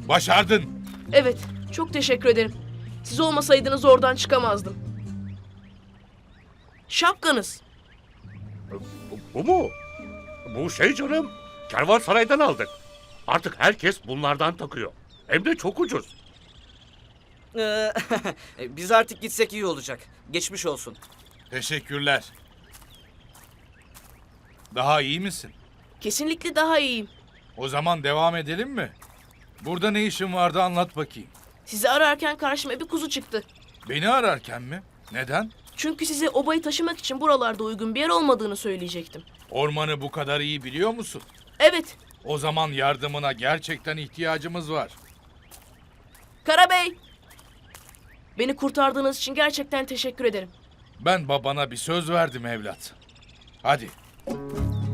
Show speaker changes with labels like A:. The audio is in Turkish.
A: Başardın.
B: Evet, çok teşekkür ederim. Siz olmasaydınız oradan çıkamazdım. Şapkanız.
C: Bu mu? Bu şey canım. Kervansaray'dan aldık. Artık herkes bunlardan takıyor. Hem de çok ucuz.
D: Biz artık gitsek iyi olacak. Geçmiş olsun.
A: Teşekkürler. Daha iyi misin?
B: Kesinlikle daha iyiyim.
A: O zaman devam edelim mi? Burada ne işin vardı anlat bakayım.
B: Sizi ararken karşıma bir kuzu çıktı.
A: Beni ararken mi? Neden?
B: Çünkü size obayı taşımak için buralarda uygun bir yer olmadığını söyleyecektim.
A: Ormanı bu kadar iyi biliyor musun?
B: Evet,
A: O zaman yardımına gerçekten ihtiyacımız var.
B: Karabey. Beni kurtardığınız için gerçekten teşekkür ederim.
A: Ben babana bir söz verdim evlat. Hadi